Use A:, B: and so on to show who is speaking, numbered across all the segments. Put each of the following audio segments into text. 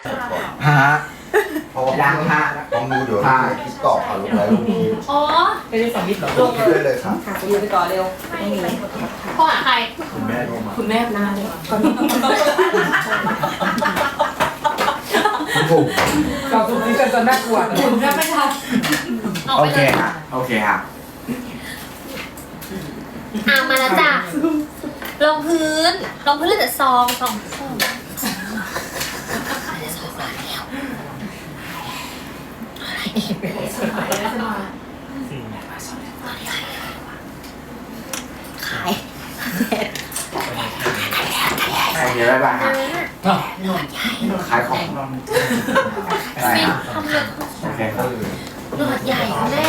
A: ฮะ
B: เพราะว่า
A: ยังฮะ
B: ต้องดูเดี๋ยวคิดกรอบค่ะลงแล้วลงนี้
C: อ๋อ
D: ไม่ได้สมิธหรอ
B: ลงคิดได้เลยครับ
D: ค่ะจะอยู่ไปก่อนเร็วไม่มี
C: โทรหาใคร
B: คุณแม่โทรมา
D: คุณแม่นานเลยก่อน
B: คุณปู่
D: ก่อนสุดที่จะน่ากลัว
C: คุณแม่ไม่ทันออก
A: โอ
C: ไป
A: เค
C: เลย
A: ฮะโอเคฮะ
C: มาแล้วจ้ะลงพื้นเหลือแต่ซองขาย
A: เดี๋ยวบ๊ายบายฮะขายของได้
C: ฟิน
A: ฮะ
C: ทำเลย
A: โอเคครับ
C: หนวดใหญ่แม่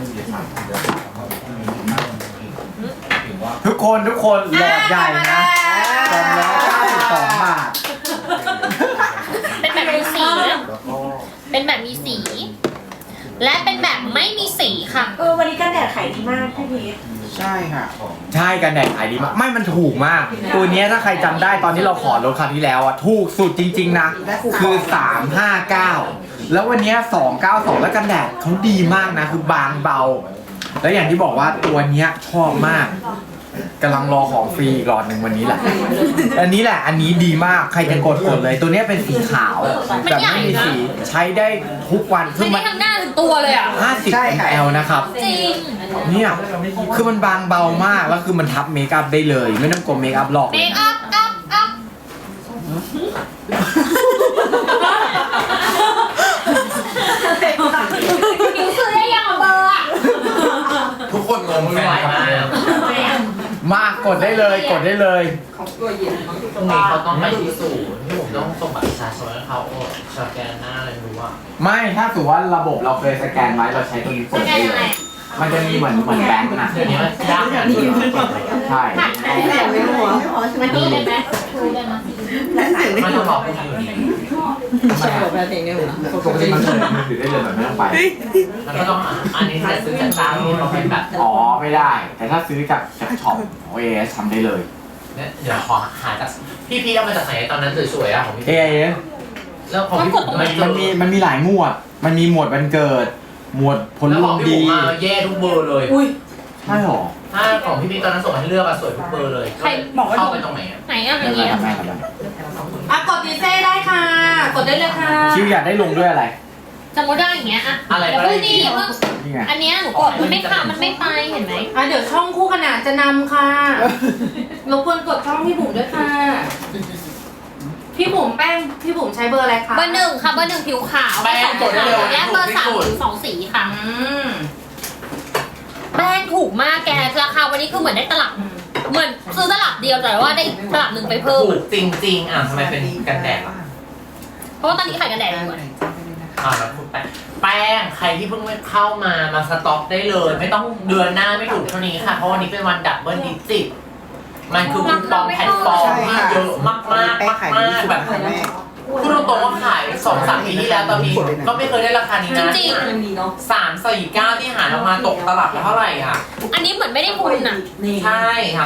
A: ทุกคนหลอดใหญ่นะ292 บาท
C: เป็นแบบมีสีนะ
B: แล้วก็
C: เป็นแบบมีสี และเป็นแบบไม่มีสีค่ะ
D: วันนี้กันแดดขายดีมากพี่พีท
A: ใช่ค่ะใช่กันแดดขายดีมากไม่มันถูกมาก ตัวเนี้ยถ้าใครจำได้ตอนที่เราขอลดคราวที่แล้วอ่ะถูกสุดจริงๆนะคือ 359 แล้ววันเนี้ย292 แล้วกันแดดเขาดีมากนะคือบางเบา แล้วอย่างที่บอกว่าตัวเนี้ยชอบมากกำลังรอของฟรีอีกหลอดหนึ่งวันนี้แหละ อันนี้แหละอันนี้ดีมากใครจะกดเลย ตัวเนี้ยเป็นสีขาวแบบไม่มีสีใช้ได้ทุกวันคื
C: ไม่
A: อมั
C: ได้
A: น
C: ทั้งหน้าถึงตัวเลยอ่ะ
A: 50 ml นะครับ
C: จริง
A: เนี่ยคือมันบางเบามากแล้วคือมันทับเมคอัพได้เลย ไม่ต้องกลัวเมคอัพหลอก
C: เมคอัพอัพผิวซื้อได้ยังอ่ะเบอร์อ่ะ
B: ทุกคนงงแฟนครับ
A: มากกดได้เลยกดได้เลย
D: ของตัวเย็น
E: ตรงนี้เขาต้องไปที่ศูนย์ที่ผมต้องส่งบัตรประชาชนให้เขาสแกนหน้าอะไรรู้ว่า
A: ไม่ถ้าสมมติว่าระบบเราเคยสแกนไว้เราใช้ตัวนี้ก
C: ส
A: ด
C: แก
A: ได้
C: น
A: เล
C: ยังไง
A: ยมันจะมีเหมือนแบงค์นะ
E: เดี๋ยวนี้มันยากอย่างนี้
A: ใช่
C: มันนี่เลยไหมชูเลยนะ
E: มันต้องรอผู้อยู่นี่
D: ใช่แบบเพลงเนี่ยนะ
A: ปกติมันเปิดมือถือได้เลยแบบไม่ต้องไป
E: มันก็ต้องอันนี้จะซื้อจากจ้างนี่เราเป็นแบบ
A: อ๋อไม่ได้ แต่ถ้าซื้อจากช็อปของ AS ทำได้เลย
E: เนี่ยเดี๋ยวขอหาจากพี่เอามาจากไหนตอนนั้นสวยๆอ่ะของพี่
A: AS
E: แล้วของพี่ผม
A: มันมีหลายหมวด มันมีหมวดวันเกิด หมวดผล
E: แล้ว
A: ร
E: ข
A: ว
E: อง
A: ม
E: พี่
A: ดี
E: ผมมาแย่ทุกเบอร์เลย
D: อุ้ย
A: ใช่หรอ
E: ถ้าของพี่ตอนนั้นส่งให้เลือกอะสวยทุกเบอร์เลยเข้าไปตรงไหนอะ
C: ไหนอ่ะอ
A: ไม่
C: ย่าง
A: เป็นไร
C: เงี้ย
A: ครับแม่ครับแม่
D: กดดีเซ่ได้ค่ะ กดได้เลยค่ะ
A: คิวอยากได้ลงด้วยอะไร
C: สมมติได้อย่างเงี้ยอ่ะ
E: อะไร
C: เดี๋ยว
E: ก็ได้
C: เพิ่งนี่
E: ดี
C: เพิ่ง
A: นี่ไง
C: อันเนี้ยหนูกดมันไม่ค่ะมันไม่ไปเห็นไหม
D: เดี๋ยวช่องคู่ขนานจะนำค่ะรบกวนกดช่องพี่บุ๋มด้วยค่ะ พี่บุ๋มแป้งพี่บุ๋มใช้เบอร์อะไรคะ
C: เบอร์ 1ค่ะเบอร์ 1ผิวขาว
E: แป้งกดได้เลย
C: และเบอร์ 3ผิว2 สีค่ะ
D: ม
C: แป้งถูกมากแกราคาวันนี้คือเหมือนได้ตลับเหมือนซื้อตลับเดียวแต่ว่าได้ตลับหนึ่งไปเพิ่ม
E: ถูกจริงๆอ่ะทำไมเป็นกันแดดล่ะ
C: เพราะว่าตอนนี้ขายกันแดดอยู่อะ
E: แล้วพูดแป้งใครที่เพิ่งเข้ามาสต็อกได้เลย ไม่ต้องเดือนหน้าไม่ถูกเท่านี้ค่ะ เพราะวันนี้เป็นวันดับเบิลดิจิตมันคือคูปองแพลตฟอร์มที่เยอะมากแบบพูดตรงๆว่าขาย2-3 ปีที่แล้วตอนนี้ก็ไม่เคยได้ราคานี้นะ
C: จริง
D: มันดีเนาะ
E: 349ที่หาออกมาตกตลับละเท่าไหร่ค่ะ
C: อันนี้เหมือนไม่ได้ทุนอ่ะ
E: ใช่ครับ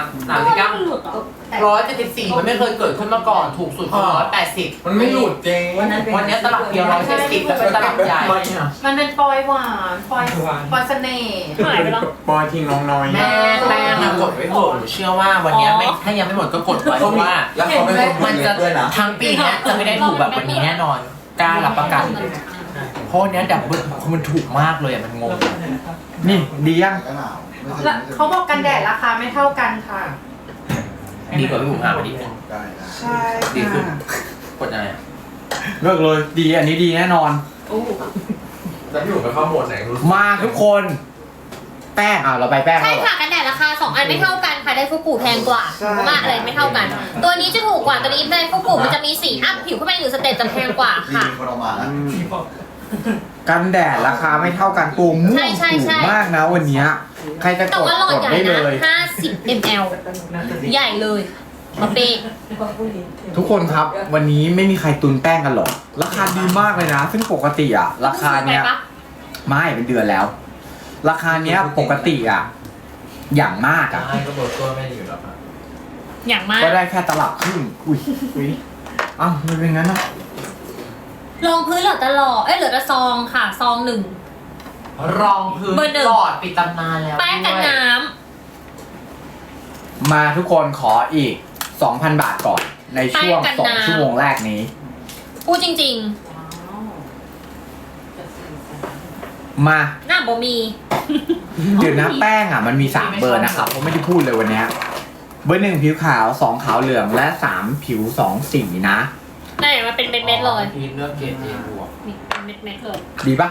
E: 174มันไม่เคยเกิดขึ้นมาก่อนถูกสุดคือ180
B: มันไม่หลุดจริง
E: วันนี้ตลับเดียว170แล้วเป็นตลับใหญ่
D: มันเป็นปอยหวานปอยเสน่ห์
C: หายไปแล้ว
A: ปอยทิ้งน้องน้อย
E: แม่แป้งนะกดไว้เถอะหนูเชื่อว่าวันนี้ไม่ถ้ายังไม่หมดก็กดไว้เพราะว่า
B: แล้วเขาไม่ได้
E: มันจะ
B: ด้วยนะ
E: ทั้งปีเนี้ยจะไม่ได้ถูกแบบวันนี้แน่นอนกล้ารับประกันเพราะวันนี้ดับเบิลมันถูกมากเลยอ่ะมันงง
A: นี่ดียัง
B: ก็หนาว
D: แล้วเขาบอกกันแดดราคาไม่เท่ากันค่ะ
E: ดีกว่าพี่บุ๋มหามาดีขึ้น
B: ได้นะ
D: ใช่
E: ดีขึ้นกดอะไรอ่ะ
A: เลิกเลยดีอันนี้ดีแน่นอน
B: แล้วพี่หนุ่มไปเข้าโหมดไหนรู้
A: มาทุกคน แป้งเราไปแป้ง
C: ใช่
A: แล้วเหรอ
C: ค่ะกันแดดราคา2อันไม่เท่ากันค่ะไดฟูกุแพงกว่าเพราะว่าอะไรไม่เท่ากัน ตัวนี้จะถูกกว่าตัวนี้ไดฟูกุมันจะมีสีอัพผิวขึ้นไป1 สเต็ปจะแพงกว่า
B: มี
C: ค่ะ
B: คนเอามานะ
A: กันแดดราคาไม่เท่ากันตัวม่วง
C: ใช่
A: ถูกมากนะวันเนี้ยใครจะ
C: แต่
A: กด
C: ว่าหลอด
A: กด
C: ใหญ่
A: ได้เล
C: นะ
A: ย
C: 50 ml ใหญ่เลยมาเปย์
A: ทุกคนครับวันนี้ไม่มีใครตุนแป้งกันหรอกราคาดีมากเลยนะ ซึ่งปกติราคาเนี้ย
C: ไปปะ
A: ไม่เป็นเดือนแล้ว ราคาเนี้ยปกติอย่างมาก
E: ได้ก็เบอร์ตัวไม่อยู่แล้วครับ
C: อย่างมาก
A: ก็ได้แค่ตลับครึ่งอุ้ยอ้าวมันเป็นงั้นนะ
C: รองพื้นเหลือแต่หลอดเหลือแต่ซองค่ะ ซองหนึ่ง
E: รองพื้น
C: เบอร์หนึ่ง
E: หลอดปิดตำนานแล้ว
C: แป้งกัน
E: ด้วย
C: น้
A: มาทุกคนขออีก 2,000 บาทก่อนในช่วง2 ชั่วโมงแรกนี้
C: ำพูดจริง
A: มา
C: ๆ หน้าบ่มี
A: เดี๋ยวนะแป้งอ่ะมันมี 3 เบอร์นะครับผมไม่ได้พูดเลยวันเนี้ยเบอร์ 1 ผิวขาว 2 ขาวเหลืองและ 3 ผิว 2 สีนะ
C: ได้มาเป็นเม็ดๆเลย
E: พีทเลือกเกรดเอบวก
C: นี่เป็นเม็ดๆเลย
A: ดีปะ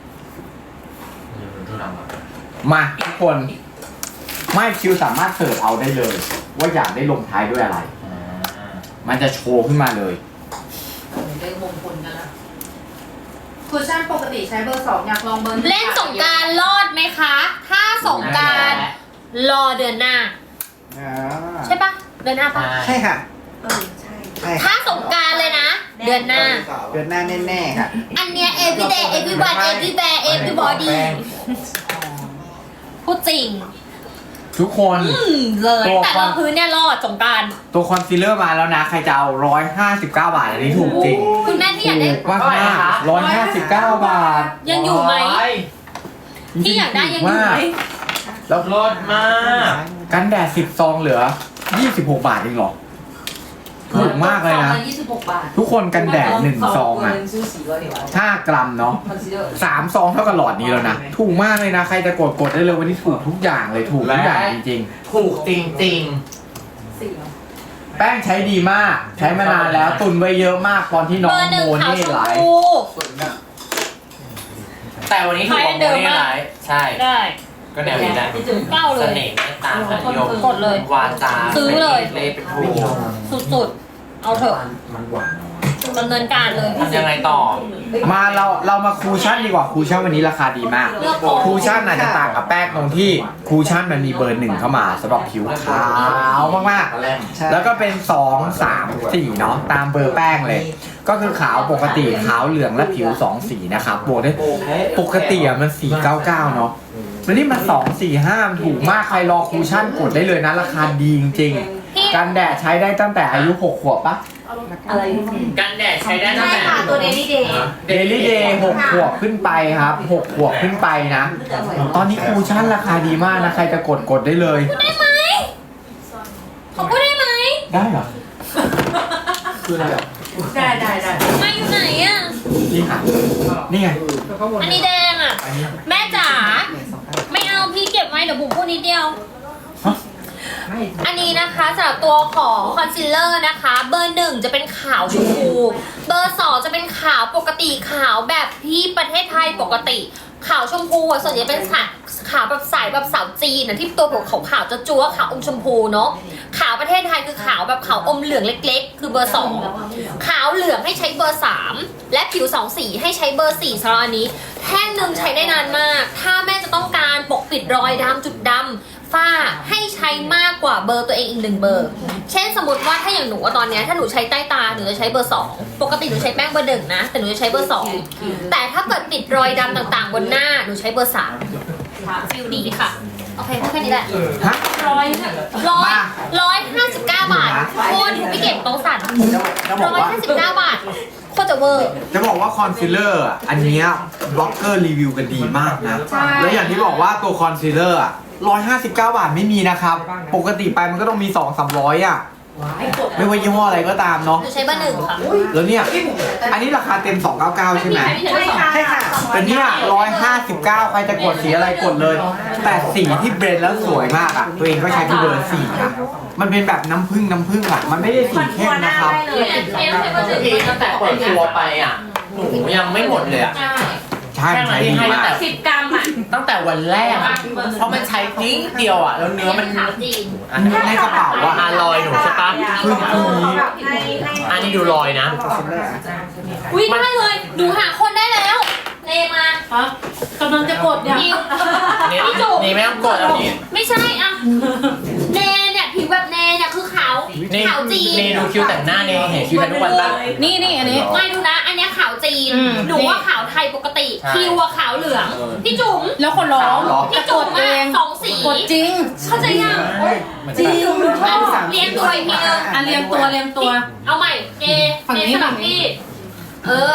B: ดูดำอ่ะ
A: มาทุกคนไม่คิวสามารถเสิร์ชเอาได้เลย ว่าอยากได้ลงท้ายด้วยอะไร มันจะโชว์ขึ้นมาเลย
D: ได้มงคลกันละคุชชั่นปกติใช้เบอร์ 2 อยากลองเบอร์
C: เล่นสงกรารรอดไหมคะ ถ้าสงกรารรอเดือนหน้า ใช่ปะเดือนหน้าปะ
F: ใช่ค่ะ
D: ใช่
F: ใช่
C: ถ้าสงกรารเลยนะ เดือนหน้า
F: เดือนหน้าแน่ๆค่ะ
C: อันเนี้ย everyday everyone everywhere everybody พูดจริง
A: ทุกคน
C: เลย
A: ตัว
C: แต่
A: ควา
C: เรา
A: ม
C: พื้นเนี่ยรอดสงกราร
A: ตัวคอนซีลเลอร์มาแล้วนะ ใครจะเอา159 บาทอันนี้ถูกจริง
C: คุณแม่ที่อยากได้
A: ถูกมากมาก159 บาท
C: ยังอยู่ไหม
E: ร้
C: ที่อยากได้ยังอยู่ไหม
A: แล้ว
E: รสมาก
A: กันแดด10 ซองเหลือ 26 บาทเองเหรอ ถูกมากเลยนะ
D: 26 บาท
A: ทุกคนกันแดด1 ซองอ่ะ5 กรัมเนาะ3 ซองเท่ากับหลอดนี้แล้วนะ ถูกมากเลยนะ ใครจะกดได้เลยวันนี้ถูกทุกอย่างเลยถูกทุกอย่างจริง
E: ถูกจริง
A: ๆ แป้งใช้ดีมาก ใช้มานานแล้วตุนไว้เยอะมากตอนที่น้อ
C: เบอง ร์หนึ่ง
A: โม
C: ขาว
A: นี่
C: ชม
A: ไลฟ์
C: พู
E: ๆ แต่วันนี้ถูกกว่าโม
C: เดิม
E: นี่
C: มาก
E: ไลฟ์ใช่
C: ได้
E: ก็แนวนี้แหละ
C: เก้าเล
E: เส
C: ย
E: น่ห์เมตตาสัญญม
C: กดเลย
E: วาจา
C: ซื้อเลย
E: เล่เป็นผู้
C: สุดๆ เอาเถอะดำเนินการเลย
E: ทำยังไงต่อ
A: มาเรามาคูชั่นดีกว่าคูชั่นวันนี้ราคาดีมาก
C: เลือกก่อน
A: คูชั่นอาจจะต่างกับแป้งตรงที่คูชั่นมันมีเบอร์ 1 เข้ามาสำหรับผิวขาวมากๆ แล้วก็เป็น 2 3 4 เนาะตามเบอร์แป้งเลย ก็คือขาวปกติขาวเหลืองและผิว 2 สีนะครับบวกด้วยปกติอะมัน 499 เนาะแล้วนี่มัน 245 มันถูกมากใครรอคูชั่นกดได้เลยนะ ราคาดีจริงๆกันแดดใช้ได้ตั้งแต่อายุ 6 ขวบปะ
E: กันแดดใช้ได้ตั้ง
D: ใช่
E: แต่
D: ค่ะตัวเดลี่เดย์
A: เดลี่เดย์6 ขวบขึ้นไปครับ 6 ขวบขึ้นไปนะ ตอนนี้คูชั่นราคาดีมากนะ ใครจะกดได้เลย
C: ได้ไหมขอพูดได้ไหม
A: ได้เหรอ
D: ได้
C: มาอยู่ไหนอ่ะ
A: นี่ค่ะนี่ไง
C: อันนี้แดงอ่ะ
A: อันนี้
C: แม่จ๋า ไม่เอาพี่เก็บไว้เดี๋ยวบุ๋มพูดนิดเดียว
A: ฮะ
C: อันนี้นะคะสำหรับตัวของคอนซีลเลอร์นะคะ เบอร์ 1 จะเป็นขาวชมพู เบอร์ 2 จะเป็นขาวปกติขาวแบบที่ประเทศไทยปกติ ขาวชมพูอ่ะส่วนใหญ่เป็นขาวแบบสายแบบสาวจีนนะที่ตัวผมขาวๆจะจั๊วขาวอมชมพูเนาะขาวประเทศไทยคือขาวแบบขาวอมเหลืองเล็กๆ คือเบอร์ 2 ขาวเหลืองให้ใช้เบอร์ 3 และผิว2สีให้ใช้เบอร์ 4สำหรับอันนี้แท่งหนึ่งใช้ได้นานมาก ถ้าแม่จะต้องการปกปิดรอยดำจุดดำฝ้าให้ใช้มากกว่าเบอร์ตัวเองอีก1 เบอร์ เช่นสมมติว่าถ้าอย่างหนูอะตอนเนี้ยถ้าหนูใช้ใต้ตาหนูจะใช้เบอร์ 2 ปกติหนูใช้แป้งเบอร์ 1 นะ แต่หนูจะใช้เบอร์ 2 แต่ถ้าเกิดปิดรอยดำต่างๆ บนหน้าหนูใช้เบอร์ 3 ฟิลดีค่ะ โอเคแค่นี้แหละ
A: ฮะ
C: 159 บาทโคตรถูกพี่เก็บโต๊ะสั่น
A: จะบอกว่า
C: 159 บาทโคตรจะเวอร์
A: จะบอกว่าคอนซีลเลอร์อ่ะอันเนี้ยบล็อกเกอร์รีวิวกันดีมากนะ แล้วอย่างที่บอกว่าตัวคอนซีลเลอร์อ่ะ159 บาทไม่มีนะครับ ปกติไปมันก็ต้องมี 200-300 อ่ะ ไม่ว่ายี่ห้ออะไรก็ตามเนาะ
C: หนูใช้เบอร์ 1 ค่ะ
A: แล้วเนี่ย อันนี้ราคาเต็ม 299 ใช่ไหม
F: ใช่ค่ะ
A: แต่เนี่ย159 ใครจะกดสีอะไรกดเลย แต่สีที่เบรนด์แล้วสวยมากอ่ะ ตัวเองก็ใช้ที่เบอร์ 4 นะ มันเป็นแบบน้ำผึ้งอ่ะ มันไม่ได้สีเข้มนะครับ
E: พี่ตั้งแต่เปิดตัวไปอ่ะ หนูยังไม่หมดเลยอ่ะ
A: ใช่ใช้ดีมาก
D: 10 กรัมอ่ะ
E: ตั้งแต่วันแรกอ่ะ เพราะมันใช้นิดเดียวอ่ะ แล้วเนื้อมัน
C: ขาวจีน
E: อันนี้
A: ในกระเป๋าอะ
E: ลอยหนูใช่ปะ
A: คือนี้
E: อันนี้ดูลอยนะ
C: อุ้ยได้เลยดูหาคนได้แล้วเนมา
D: กำลังจะกดเนี่ย
C: ยิว
E: นี่
C: พี่จุ๋ม
E: นี่ไม่ต้องกดอันนี้
C: ไม่ใช่อ่ะเนเนี่ยผิวแบบเนเนี่ยคือขาว
E: นี่
C: ขาวจีน
E: นี่ดูคิวแต่งหน้านี่เห็นคิวแต่งทุกวันปะ
D: นี่อันนี้
C: ไม่ดูนะ อันเนี้ยขาวจีน หนูว่าขาวไทยปกติ
E: ใช่
C: คิวอะขาวเหลือง พี่จุ๋ม
D: แล้วคนร้อง
C: พี่จุ๋มอะสองสี
D: กดจริง
C: เข้าใจยัง
D: จริง
C: เอาเรียงตัวอีกทีนึง
D: อ่ะเรียงตัว
C: เอาใหม่เน
D: ฝั่ง
C: เน
D: นี้
C: สลับ
D: ฝั่งนี้
C: พี่อัดผิด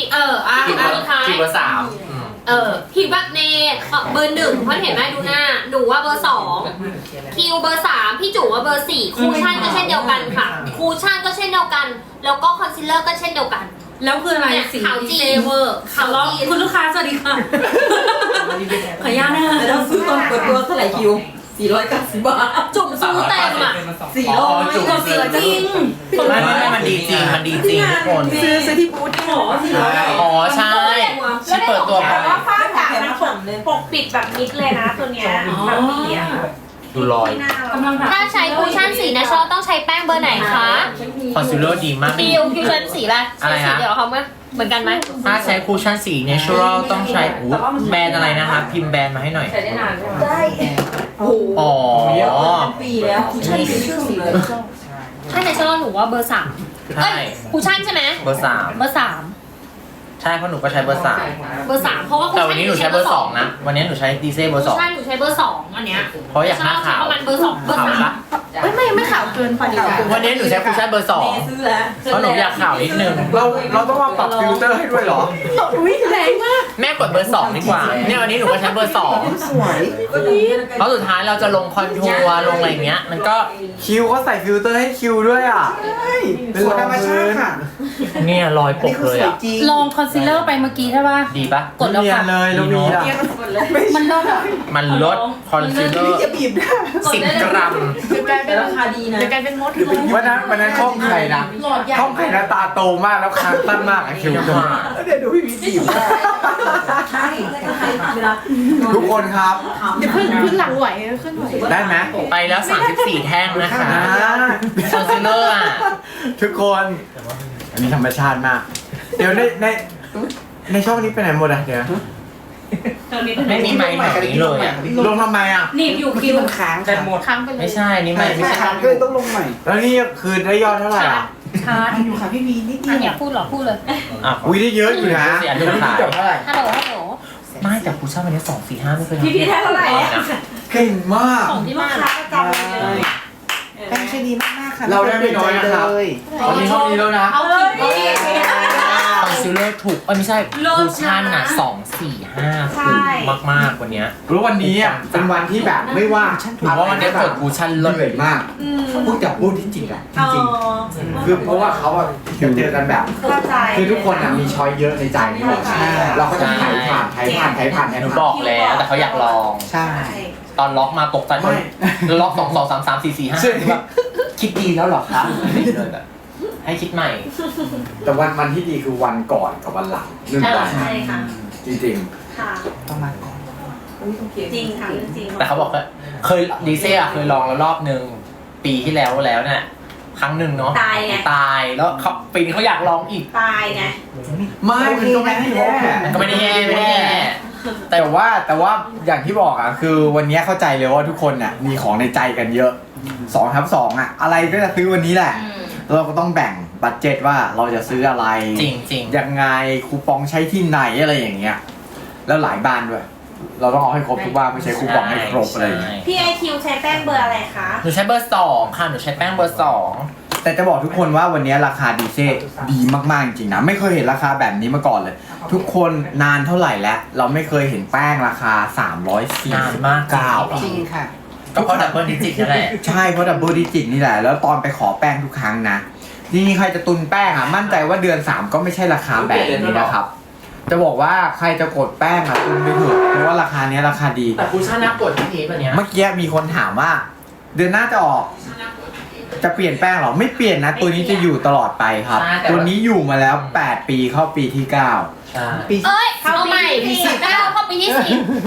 E: ผิว
C: อันสุดท้าย
E: ผิวเบอร์สามอืม
C: ผิวแบบเนเบอร์หนึ่งเพราะเห็นไหมดูหน้าหนูว่าเบอร์สองคิวเบอร์สามพี่จุ๋ว่าเบอร์สี่คูชั่นก็เช่นเดียวกันค่ะคูชั่นก็เช่นเดียวกัน แล้วก็คอนซีลเลอร์ก็เช่นเดียวกัน
D: แล้วคืออะไร
C: เนี่ย
D: สี
C: ขาวจี
D: เซเวอร์
C: ขาวจีน
D: คุณลูกค้าสวัสดีค่ะ ขออนุญาตนะคะ
G: เราซื้อตอนเปิดตัวเท่าไหร่คิว 490 บาท
C: จุ่มซื้อเต็มอ่ะ
E: อ๋อจุ่ม
D: กดเสือจริง
E: ไม่มันดีจริงมันดีจริงทุกคน
G: ซื้อที่บูธหมอสิ
E: อ๋อใช่ที่เปิดตัว
G: แต่ว่าฝ้ากระ
H: มัน
G: มัน
H: ปกปกปิดแบบมิดเลยนะตัวเนี้ยแบบนี้อ่ะ
E: ดูรอย
H: หน้าเรา
D: กำลัง
C: ถ้าใช้คูชั่นสีนะชอบต้องใช้แป้งเบอร์ไหนคะ
E: คอนซีลเลอร์ดีมาก
C: คิวใช้สีอะไร
E: อะไร
C: ใช้สี
E: ฮะ
C: เดียวเขาเหมือนกันไหม
E: ถ้าใช้คูชั่นสี natural ต้องใช้แบรนด์อะไรนะคะพิมพ์แบรนด์มาให้หน่อย
H: ใช้ได้นานใช่ไหม
G: ได้โอ้โห
E: อ๋อ
G: ปีแล้วใช่เป็นชื่อเลย
C: ถ้าในชอบหนูว่าเบอร์สาม
E: ใช่
C: คูชั่นใช่ไหม
E: เบอร์สาม
C: เบอร์สาม
E: ใช่เพราะหนูก็ใช้เบอร์สาม
C: เบอร์สามเพราะว่า
E: แต่วันนี้หนูใช้เบอร์สองนะ วันนี้หนูใช้ดีเซ่เบอร์สอง
C: ใช่หนูใช้เบอร์สองอันเนี้ย
E: เพราะอยากหน้าขาว
C: ประมาณเบอร์สองเบอร์
E: ขาว
C: สาม
E: ปะ
D: ไม่ขาวเกินไปดีกว่า
E: วันนี้หนูใช้คูชั่นเบอร์สอง
G: ซื้อแล้ว
E: เพราะหนูอยากขาวนิดนึง
A: เราต้องมาปรับฟิลเตอร์ให้ด้วยเหรอ
D: อุ้ยแรงมาก
E: แม่กดเบอร์สองดีกว่า เนี่ยวันนี้หนูก็ใช้เบอร์สอง
F: สวย
E: เพราะสุดท้ายเราจะลงคอนทัวร์ลงอะไรอย่างเงี้ย มันก็
A: คิวเขาใส่ฟิลเตอร์ให้คิวด้วยอ่ะ
F: เป็นธรรมชาติค่ะ
E: เนี่ยรอยป
F: นี่
E: ก
F: คือ
E: เลย
F: สวย
E: อ่ะ
F: จริง
D: ลองคอนซีลเลอร์ไปเมื่อกี้ใช่ป่ะ
E: ดีปะ
D: กดแล้ว
A: เนีย
D: ค่ะ
A: นเลยแล้วมีอ่ะ
D: มันเลิศอ่ะ
E: มันลดคอนซีลเลอร์
F: จะบีบได้
E: 10 กรัม
G: กลายเป็นราคาดีนะ
D: จะกลายเป็นมด
A: วันนั้นห้องใครนะ
D: หลอดใหญ่
A: ห้องใครนะตาโตมากแล้วคางสั้นมากอะคิว
F: เดี๋ยวดูพี่บีบ
G: ใช่เวลา
A: ทุกคนครับ
D: เดี๋ยวขึ้นหลังไหวขึ้นไหว
A: ได้ไหม
E: ไปแล้ว 34 แท่งนะคะ
A: อ่า
E: คอนซีลเลอร์อ่ะ
A: ทุกคน อันนี้ธรรมชาติมาก เดี๋ยวในช่องนี้ไปไหนหมดอ่ะเดี๋ยว
E: ไม่มีไมค์แบบนี้เลยอ่ะ
A: ลงทำไมอ่ะ
D: หนีบอยู่
F: ที่
D: คิว
F: มันค้าง
E: แต่หมด
D: ค้างไปเลย
E: ไม่ใช่ นี่ไม่
F: ไม่
E: ใช่
F: ค้างก็เลยต้องลงใหม่
A: แล้วนี่คือได้ยอดเท่าไหร่อ่ะ
D: ชาร์จ
F: อยู่ค่ะพี่บีนิดเดี
C: อัน
F: ย
C: เนี้ยว พูดเหรอพูดเลย
E: อ่ะ
A: อุ้ยได้เยอะอยู่นะ
E: เสียเรื่องขาย
A: จบเท่าไหร่
C: ฮัลโหลฮัลโหล
E: ไม่แต่คูชั่นวันนี้2 4 5ไม่เคย
H: พี่แท้เท่าไหร่อะ
A: เก่งมาก
C: ของที่
H: ลู
C: มาก
H: ค้าประจำเลย
F: แป้งใช้ดีมากๆค่ะ
A: เราได้ไม่น้อยนะครับ
F: เลย
A: วันนี้เท่านี้แล้วนะ
H: เอาเลย
E: คอนซีลเลอร์ถูกไม่ใช่คูชั่นอ่ะ2 4 5ถูกมากๆวันเนี้ย
A: รู้วันนี้อ่ะเป็นวันที่แบบไม่ว่า
E: ถือว่าวันนี้กดคูชั่น
A: เห
E: ลด
A: นื่อยมากพูดจากพูดที่จริงอ่ะจริงๆคือเพราะว่าเขาอ่ะเจอกันแบบ
H: เข้าใจ
A: คือทุกคนอ่ะมีช้อยเยอะในใจนี่หมด
H: ใช่
A: เราก็จะถ่ายผ่าน
E: หนูบอกแล้วแต่เขาอยากลอง
F: ใช่
E: ตอนล็อกมาตกใจ
A: ไม่
E: ล็อก2 2 3 3 4 4 5
A: ซึ่ง
E: แบบคิดดีแล้วเหรอคะเลยแบบให้คิดใหม่
A: แต่วันที่ดีคือวันก่อนกับวันหลังหนึ่งวัน
H: ใช่ค่ะ
A: จริง
H: ค่ะ
F: ต้องมาก่อน
H: จริงค่ะเรื่องจริง
E: แต่เขาบอกว่าเคยดีเซ่อะเคยลองแล้วรอบนึงปีที่แล้วเนี่ยครั้งหนึ่งเนาะ
H: ตายไง
E: ตายแล้วเขาปีนี้เขาอยากลองอีก
H: ตายไง
A: ๆ ไม่มันก็ไม่ได้แย่
E: มันก็ไม่ได้แย่ไม่ได้แย่
A: แต่ว่าอย่างที่บอกอ่ะคือวันนี้เข้าใจเลยว่าทุกคนอ่ะมีของในใจกันเยอะ2/2อ่ะอะไรก็จะซื้อวันนี้แหละเราก็ต้องแบ่งบัดเจ็ตว่าเราจะซื้ออะไร
E: จริงจริง
A: ยังไงคูปองใช้ที่ไหนอะไรอย่างเงี้ยแล้วหลายบ้านด้วย เราต้องเอาให้ครบทุกบ้านไม่ใช้คูปองให้ครบอะไรอย่างเงี้ย
H: พี่ไอคิวใช้แป้งเบอร์อะไรคะ
E: หนูใช้เบอร์2ค่ะหนูใช้แป้งเบอร์2
A: แต่จะบอกทุกคนว่าวันนี้ราคาดีเซลดีมากๆจริงๆนะไม่เคยเห็นราคาแบบนี้มาก่อนเลย ทุกคนนานเท่าไหร่แล้วเราไม่เคยเห็นแป้งราคา
E: นานมาก
A: 349
F: จริงค่ะ
E: ก็เพราะดับเบิลดิจิตนั่นแหละ
A: ใช่เพราะดับเบิลดิจิตนี่แหละแล้วตอนไปขอแป้งทุกครั้งนะนี่ใครจะตุนแป้งอ่ะมั่นใจว่าเดือน 3 ก็ไม่ใช่ราคาแบบนี้นะครับ จะบอกว่าใครจะกดแป้งอ่ะตุนไปเถอะเพราะว่าราคานี้ราคาดี
E: แต่คูชั่นนักกดที่นี้แบบเนี้ย
A: เมื่อกี้มีคนถามว่า เดือนหน้าจะออก จะเปลี่ยนแป้งเหรอไม่เปลี่ยนนะ ตัวนี้จะอยู่ตลอดไปครับ ตัวนี้อยู่มาแล้ว 8 ปีเข้าปีที่ 9
E: ใช่
C: เอ้ยเอาใหม่ปี9เข้าปีที่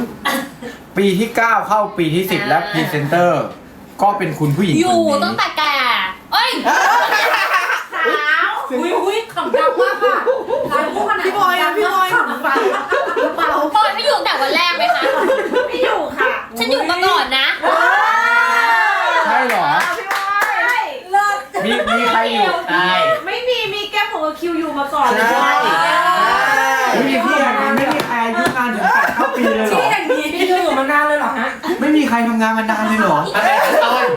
C: 10
A: ปีที่ 9 เข้าปีที่ 10 และพรีเซนเตอร์ ก็เป็นคุณผู้หญิง
C: อ
A: คน
C: ยู่
A: นี้
C: ตั้งแต่แก่เอ้ย
H: สาว
D: อุ้ยขำดังมากค่ะพี่บอยนะพี่บอยขำฟังเปล่า
C: ปอยไม่อยู่แต่วันแรกไหมคะ
H: ไม่อยู่ค่ะ
C: ฉันอยู่มาก่อนนะ
A: ใช่เหรอ
H: พี่บอยเลิศ
A: มีใครอยู่
E: ใช่
H: ไม่มีแก้มของคิวอยู่มาก่อนเลย
A: ใช่ ไม่มีที่อย่างนี้ไม่มีใครอายุงานถึง8เข้าปีเลยเหรอ
G: พี่อยู่มานานเลยเหรอฮะ
A: ไม่มีใครทำงานมานานเลยเหรอ
E: อะไรต้น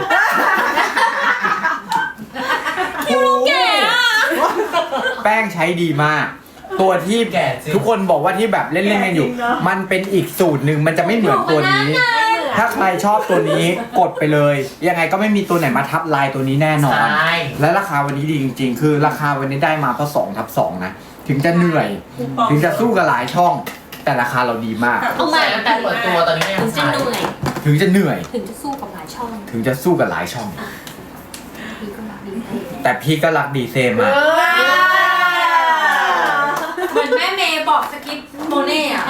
C: คิวรู้แก่อะ
A: แป้งใช้ดีมากตัวที่ทุกคนบอกว่าที่แบบเล่นๆกันอยู่ มันเป็นอีกสูตรหนึ่งมันจะไม่เหมือนตัวนี้ ถ้าใครชอบตัวนี้กดไปเลย ยังไงก็ไม่มีตัวไหนมาทับลายตัวนี้แน่นอน
E: ใช่
A: และราคาวันนี้ดีจริงๆ คือราคาวันนี้ได้มาเพราะ2/2นะ ถึงจะเหนื่อย ถึงจะสู้กับหลายช่อง แต่ราคาเราดีมาก
C: เอาใหม่
E: ตั้งแต่เปิดตัวตอนนี้ก็ยั
C: ถึ
E: ง
C: งจะ
E: ใช้
C: เหนื่อย
A: ถึงจะเหนื่อย
C: ถึงจะสู้กับหลายช่อง
A: ถึงจะสู้กับหลายช่อง
C: พี่ก็รักดีเท่
A: แต่พี่ก็รักดีเซมาก
D: เหมือนแม่เมย์บอกสคริปต์โมเน่อะ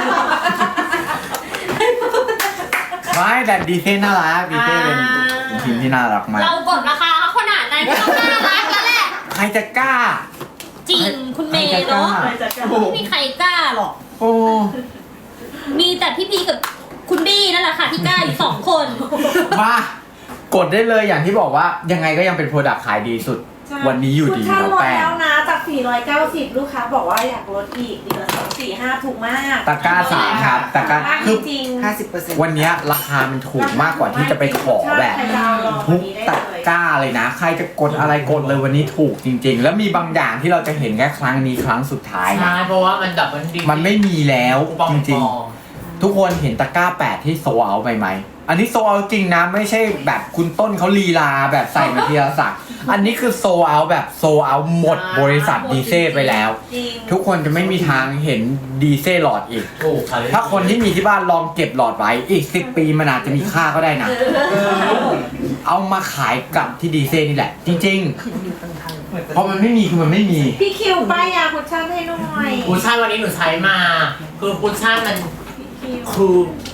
A: ไม่แต่ดีเซน่ารักดีเซเป็นทีมที่น่ารักมาก
C: เรากดราคาเขาขนาดนั้นก็ต้องน่ารักแล้วแหละ
A: ใครจะกล้า
C: จริงคุณเมย์เนาะ
A: ใครจะกล้า
C: ไม่มีใครกล้าหรอก
A: โอ้
C: มีแต่พี่พีกับคุณบี้นั่นแหละค่ะที่กล้าอยู่2 คน
A: มากดได้เลยอย่างที่บอกว่ายังไงก็ยังเป็นโปรดักต์ขายดีสุด วันนี้อยู่ดี
H: คุณ
A: แล้ว
H: ลด
A: แป้ง
H: แล้วนะจาก 490 ลูกค้าบอกว่าอยากลดอีกเหลือ245 ถูกมาก
A: ตะกร้าสามครับตะกร้า
H: ถูมาก
A: คือ
H: จริง
F: 50%
A: วันเนี้ยราคามันถูกมากกว่าที่จะไปขอแบบทุกตะกร้าเลยนะ ใครจะกดอะไรกดเลยวันนี้ถูกจริง ๆ แล้วมีบางอย่างที่เราจะเห็นแค่ครั้งนี้ครั้งสุดท้าย
E: ใช่
A: นะ
E: เพราะว่ามันดับมันดี
A: มันไม่มีแล้ว
E: คูปอง
A: จริง ๆ ทุกคนเห็นตะกร้า8ที่โซเอาไปไหม อันนี้โซเอาจริงนะไม่ใช่แบบคุณต้นเขาลีลาแบบใส่มาทีละสักอันนี้คือโซเอาแบบโซเอาหมดบริษัทดีเซลไปแล้ว
H: จริง
A: ทุกคนจะไม่มีทางเห็นดีเซลหลอดอีก
E: ถูกค่ะ
A: ถ้าคนที่มีที่บ้านลองเก็บหลอดไว้อีก10 ปีมันอาจจะมีค่าก็ได้นะ เอามาขายกลับที่ดีเซลนี่แหละ จริงๆเพราะมันไม่มีคือมันไม่มี
H: พี่คิวป้ายยาคุชชั่นให้หน่อย
E: คุชชั่นวันนี้หนูใช้มา คือคุชชั่นมัน
H: คิว
E: คือ